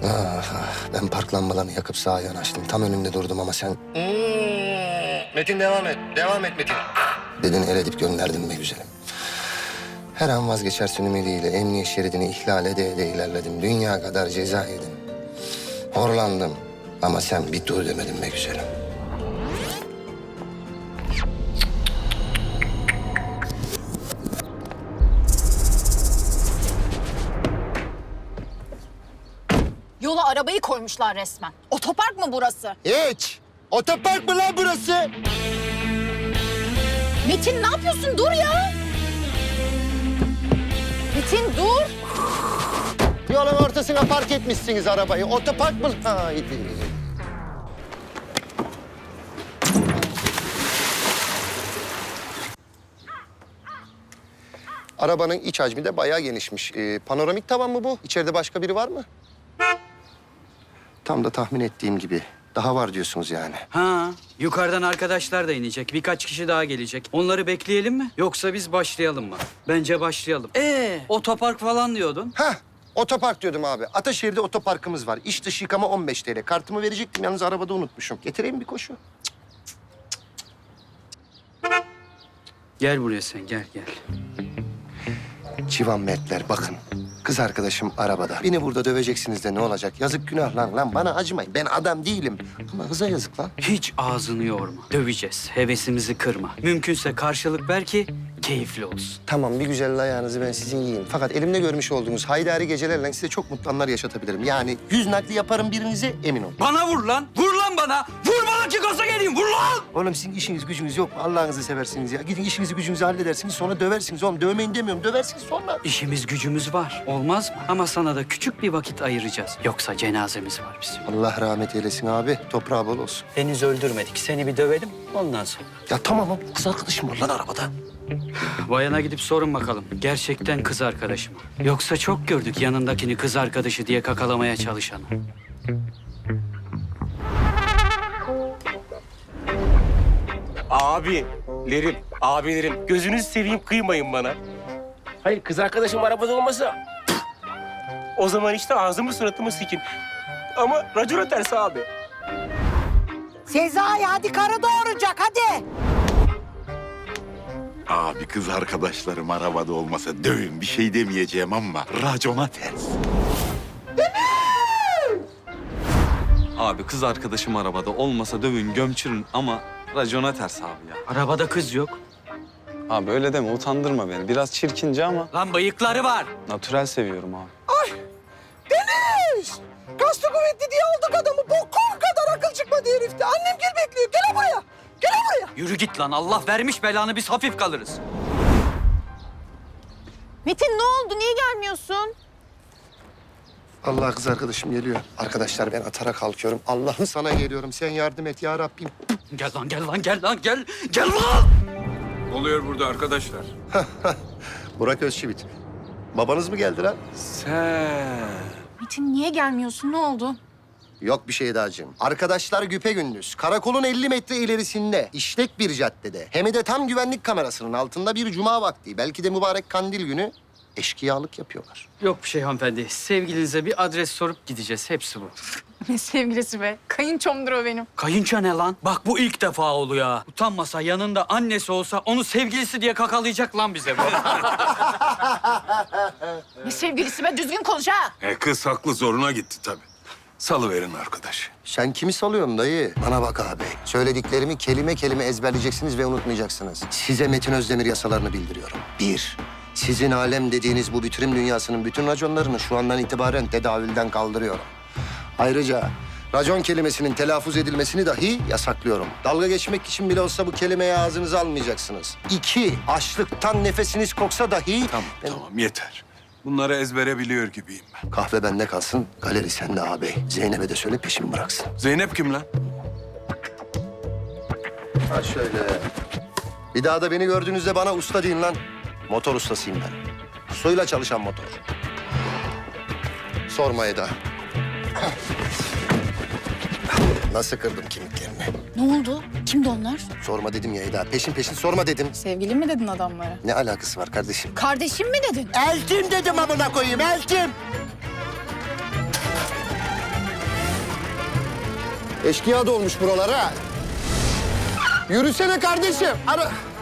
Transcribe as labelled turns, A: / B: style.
A: Ah, ah, ben park lambalarını yakıp sağa yanaştım. Tam önünde durdum ama sen... Metin devam et. Devam et Metin. Dedin el edip gönderdin be güzelim. Her an vazgeçersin ümidiyle emniyet şeridini ihlal ede ede ilerledim. Dünya kadar ceza yedim. Horlandım ama sen bir dur demedin be güzelim.
B: Yola arabayı koymuşlar resmen. Otopark mı burası?
A: Hiç! Otopark mı lan burası?
B: Metin ne yapıyorsun? Dur ya! Metin dur!
A: Yolun ortasına park etmişsiniz arabayı. Otopark mı? Haydi. Arabanın iç hacmi de bayağı genişmiş. Panoramik tavan mı bu? İçeride başka biri var mı? Tam da tahmin ettiğim gibi. Daha var diyorsunuz yani.
C: Ha, yukarıdan arkadaşlar da inecek. Birkaç kişi daha gelecek. Onları bekleyelim mi? Yoksa biz başlayalım mı? Bence başlayalım. Otopark falan diyordun.
A: Heh, otopark diyordum abi. Ataşehir'de otoparkımız var. İç dış yıkama 15 TL. Kartımı verecektim yalnız arabada unutmuşum. Getireyim bir koşu.
C: Gel buraya sen, gel.
A: Civan Mertler bakın. Kız arkadaşım arabada. Beni burada döveceksiniz de ne olacak? Yazık günah lan bana acımayın. Ben adam değilim. Ama kıza yazık lan.
C: Hiç ağzını yorma. Döveceğiz. Hevesimizi kırma. Mümkünse karşılık ver ki keyifli olsun.
A: Tamam bir güzel ayağınızı ben sizin yiyeyim. Fakat elimde görmüş olduğunuz haydari gecelerle size çok mutlu anlar yaşatabilirim. Yani 100 nakli yaparım birinize emin olun.
C: Bana vur lan! Vur lan bana! Vur bana ki gaza geleyim! Vur lan!
A: Oğlum sizin işiniz gücünüz yok mu? Allah'ınızı seversiniz ya. Gidin işinizi gücünüzü halledersiniz sonra döversiniz oğlum. Dövmeyin demiyorum döversiniz sonra.
C: İşimiz gücümüz var. Olmaz mı? Ama sana da küçük bir vakit ayıracağız. Yoksa cenazemiz var bizim.
A: Allah rahmet eylesin abi. Toprağı bol olsun.
C: Henüz öldürmedik. Seni bir dövelim ondan sonra.
A: Ya tamam ama kız arkadaşım var lan arabada.
C: Bayana gidip sorun bakalım. Gerçekten kız arkadaşı mı? Yoksa çok gördük yanındakini kız arkadaşı diye kakalamaya çalışanı.
D: Abilerim gözünüzü seveyim kıymayın bana. Hayır kız arkadaşım arabada olmasa o zaman işte ağzımı suratımı sikin. Ama racona ters abi.
E: Sezai hadi karı doğuracak hadi.
F: Abi kız arkadaşlarım arabada olmasa dövün bir şey demeyeceğim ama racona ters.
G: Abi kız arkadaşım arabada olmasa dövün gömçürün ama racona ters abi ya.
C: Arabada kız yok.
G: Abi öyle deme utandırma beni. Biraz çirkince ama
C: Lan bıyıkları var.
G: natürel seviyorum abi.
E: Deniz! Kaslı kuvvetli diye aldık adamı. Bokum kadar akıl çıkmadı herifte. Annem gel bekliyor. Gel buraya. Gel buraya.
C: Yürü git lan. Allah vermiş belanı biz hafif kalırız.
B: Metin ne oldu? Niye gelmiyorsun?
A: Allah kız arkadaşım geliyor. Arkadaşlar ben atara kalkıyorum. Allah'ım sana geliyorum. Sen yardım et ya Rabbim.
C: Gel lan gel lan gel lan gel. Gel lan.
H: Ne oluyor burada arkadaşlar?
A: Burak Özçivit. Babanız mı geldi lan?
B: Metin niye gelmiyorsun? Ne oldu?
A: Yok bir şey dacığım. Arkadaşlar güpegündüz. Karakolun 50 metre ilerisinde, işlek bir caddede. Hem de tam güvenlik kamerasının altında bir cuma vakti. Belki de mübarek kandil günü eşkıyalık yapıyorlar.
C: Yok bir şey hanımefendi. Sevgilinize bir adres sorup gideceğiz. Hepsi bu.
B: Ne sevgilisi be? Kayınçomdur o benim.
C: Kayınço ne lan? Bak bu ilk defa oluyor ha. Utanmasa yanında annesi olsa onu sevgilisi diye kakalayacak lan bize bu.
B: Ne sevgilisi be? Düzgün konuş ha.
H: Kız haklı zoruna gitti tabii. Salıverin arkadaş.
A: Sen kimi salıyorsun dayı? Bana bak abi. Söylediklerimi kelime kelime ezberleyeceksiniz ve unutmayacaksınız. Size Metin Özdemir yasalarını bildiriyorum. 1. Sizin alem dediğiniz bu bitirim dünyasının bütün raconlarını şu andan itibaren tedavülden kaldırıyorum. Ayrıca racon kelimesinin telaffuz edilmesini dahi yasaklıyorum. Dalga geçmek için bile olsa bu kelimeyi ağzınıza almayacaksınız. 2. Açlıktan nefesiniz koksa dahi...
H: Tamam yeter. Bunları ezbere biliyor gibiyim ben.
A: Kahve bende kalsın, galeri sende ağabey. Zeynep'e de söyle peşimi bıraksın.
H: Zeynep kim lan?
A: Ha şöyle. Bir daha da beni gördüğünüzde bana usta deyin lan. Motor ustasıyım ben. Suyla çalışan motor. Sorma Eda. Nasıl kırdım kemiklerini?
B: Ne oldu? Kimdi onlar?
A: Sorma dedim ya Eda. Peşin peşin sorma dedim.
B: Sevgili mi dedin adamlara?
A: Ne alakası var kardeşim?
B: Kardeşim mi dedin?
E: Eltim dedim amına koyayım eltim.
A: Eşkıya dolmuş buralara. Yürüsene kardeşim. Ara.